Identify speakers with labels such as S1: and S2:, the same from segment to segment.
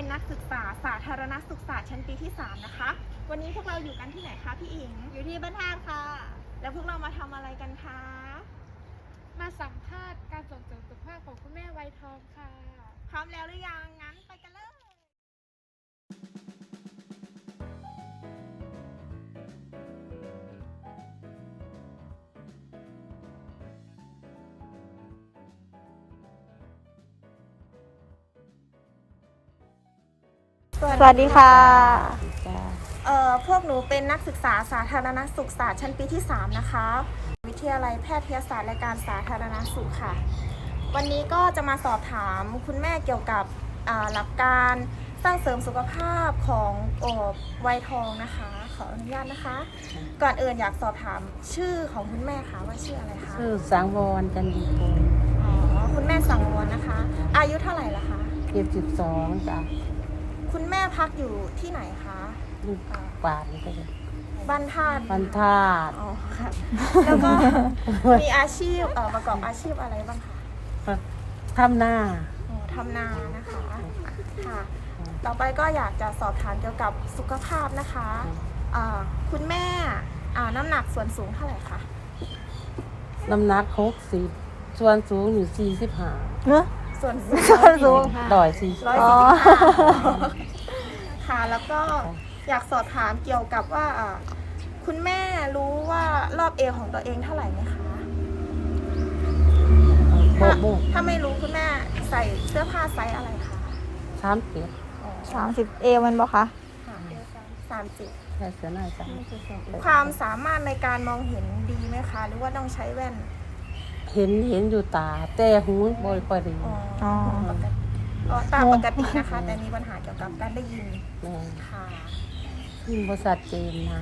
S1: นักศึกษาสาธารณสุขศาสตร์ชั้นปีที่3นะคะวันนี้พวกเราอยู่กันที่ไหนคะพี่อิง
S2: อยู่ที่บ้านท่าค่ะ
S1: แล้วพวกเรามาทำอะไรกันคะ
S3: มาสัมภาษณ์การส่งเสริมสุขภาพของคุณแม่วัยทองค่ะ
S1: พร้อมแล้วหรือยังงั้นไปกันเลย
S2: สวัสดีค่ะ
S1: พวกหนูเป็นนักศึกษาสาธารณสุขศาสตร์ชั้นปีที่3นะคะวิทยาลัยแพทยศาสตร์และการสาธารณสุขค่ะวันนี้ก็จะมาสอบถามคุณแม่เกี่ยวกับหลักการสร้างเสริมสุขภาพของวัยทองนะคะขออนุญาตนะคะก่อนอื่นอยากสอบถามชื่อของคุณแม่ค่ะว่าชื่ออะไรคะ
S4: ชื่อสังวรจันดีพงศ์
S1: คุณแม่สังวรนะคะอายุเท่าไหร่ละคะ
S4: 72จ้ะ
S1: คุณแม่พักอยู่ที่ไหนคะ
S4: กวาดนี่ก็จะ
S1: บ้านธาตุ
S4: บ้านธาตุ
S1: อ๋อค่ะแล้วก็มีอาชีพประกอบอาชีพอะไรบ้างคะ
S4: ทำหน้า
S1: ทำนานะคะค่ะต่อไปก็อยากจะสอบถามเกี่ยวกับสุขภาพนะคะคุณแม่น้ำหนักส่วนสูงเท่าไหร่คะ
S4: น้ำหนัก60ส่วนสูงอยู่45
S2: เนอะ
S1: ส่วน
S2: สูง
S1: ค่ะแล้วก็อยากสอบถามเกี่ยวกับว่าคุณแม่รู้ว่ารอบเอวของตัวเองเท่าไหร่ไหมคะถ้าไม่รู้คุณแม่ใส่เสื้อผ้าไซส์อะไรคะ
S2: 30 เอวมันบอกคะ
S1: 30
S4: แค่เสื้อหน้าจ้ะ
S1: ความสามารถในการมองเห็นดีไหมคะหรือว่าต้องใช้แว่น
S4: เห็นอยู่ตาแต่หูบ่ค่อยดี
S1: ตาปกตินะคะแต่มีปัญหาเกี่ยวกับการได้ยินค่ะ
S4: ยินบ่ชัดเจนนะ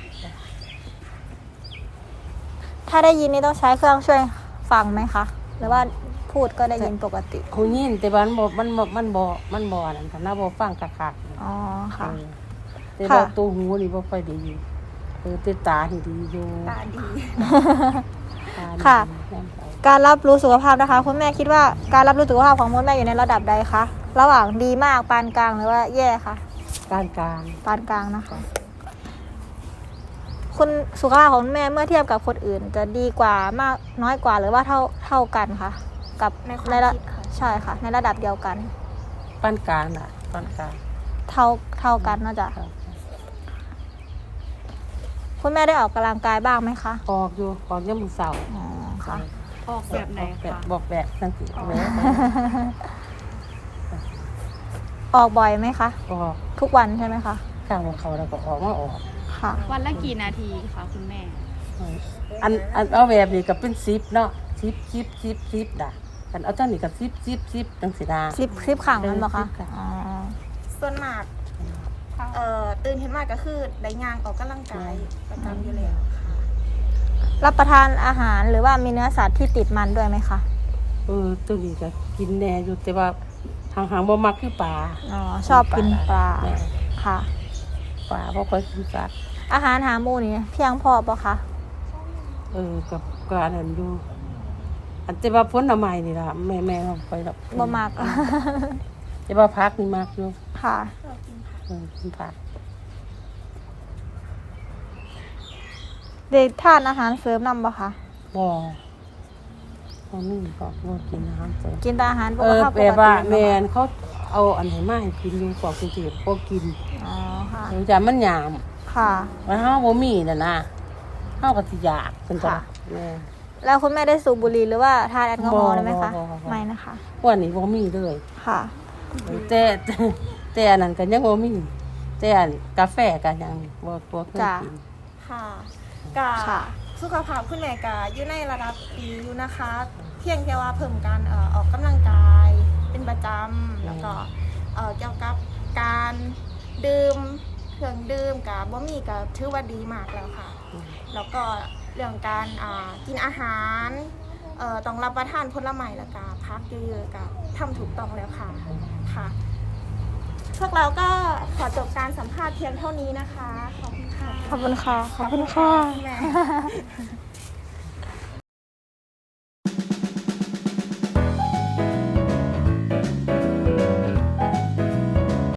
S2: ถ้าได้ยินนี่ต้องใช้เครื่องช่วยฟังไหมคะหรือว่าพูดก็ได้ยินปกติ
S4: หูยินแต่ว่ามันบ่นั่นค่ะน่าบ่ฟังคัก
S2: ๆอ๋อค่ะ
S4: แต่ว่าตัวหูนี่บ่ค่อยดีแต่ตานี่ดีอยู่
S1: ตาดี
S2: ค่ะการรับรู้สุขภาพนะคะคุณแม่คิดว่าการรับรู้สุขภาพของคุณแม่อยู่ในระดับใดคะระหว่างดีมากปานกลางหรือว่าแย่คะ
S4: ปานกล
S2: างนะคะคุณสุขภาพของคุณแม่เมื่อเทียบกับคนอื่นจะดีกว่ามากน้อยกว่าหรือว่าเท่ากันคะกับในระดับใช่ค่ะในระดับเดียวกัน
S4: ปานกลางน่ะปานกลาง
S2: เท่ากันน่าจะคุณแม่ได้ออกกำลังกายบ้างไหมคะ
S4: ออกอยู่ออกยามมื้อเช้า
S2: อ๋อค่ะ
S3: ออกแบบไหนคะ
S4: บอกแบบจังซี่
S2: ออกบ่อยไหมคะ
S4: ออก
S2: ทุกวันใช่ไหมคะ
S4: ข้างของเขาแล้วก็ออกมาออก
S2: ค่ะ
S3: วันละกี่นาทีคะคุณแม่
S4: อันเอาแบบนี้ก็เป็น10เนาะ10ด่ะกันเอาจังนี้ก็10จังซี่นะ
S2: 10ครั้งนั่นบ่คะอ๋อ
S1: ส่วนมากตื่นขึ้นมาก็คือได้ย่างออกกำลังกายประจำอยู่แล้วค่ะ
S2: รับประทานอาหารหรือว่ามีเนื้อสัตว์ที่ติดมันด้วยไหมคะ
S4: ตัวนี้ก็กินแน่อยู่แต่ว่าทางบ่มักคือปลา
S2: อ๋อชอบกินปลาค่ะ
S4: ปลาบ่ค่อยกินสัตว์
S2: อาหารหาหมู่นี่เพียงพอป่ะคะ
S4: กับอันนั้นอยู่อันแต่ว่าผลไม้นี่ล่ะแม่บ่ค่อยดอก
S2: บ่มัก
S4: แต่ว่าผักนี่มักอยู่
S2: ค่ะ
S4: กินผัก
S2: ได้ทานอาหารเสริมนำบ่คะ
S4: บ่นี่ก็บ่กินอาหารเสริม
S2: กินแต่อาหารปกติ
S4: แบบว่าแม่นเขาเอาอันไหนมาให้กินอยู่กว่ากรุงเทพบ่กิน
S2: อ๋อค่ะ
S4: จ้ะมันยาม
S2: ค่ะ
S4: ว่าเฮาบ่มีน่ะนะเฮาก็สิอยากเพิ่นจ้ะ
S2: แล้วคุณแม่ได้สูบบุหรี่หรือว่าทานแอลกอฮอล์ได้ไหมคะไม่นะคะ
S4: วันนี้บ่มีเลย
S2: ค่ะ
S4: แต่อันนั้นก็ยังบ่มีแต่อันกาแฟก็ยังบ่เคยกิน
S1: ค่ะสุขภาพคุณแม่ก็อยู่ในระดับดีอยู่นะคะเพียงแค่ว่าเพิ่มการออกกำลังกายเป็นประจำแล้วก็เกี่ยวกับการดื่มเครื่องดื่มกับบ่มีก็ถือว่าดีมากแล้วค่ะแล้วก็เรื่องการกินอาหารต้องรับประทานผลไม้แล้วก็พักเยอะๆก็ทำถูกต้องแล้วค่ะพวกเราก็ขอจบการสัมภาษณ์เพียงเท่านี้นะคะขอบคุณค่ะ
S2: ขอบคุณค่ะ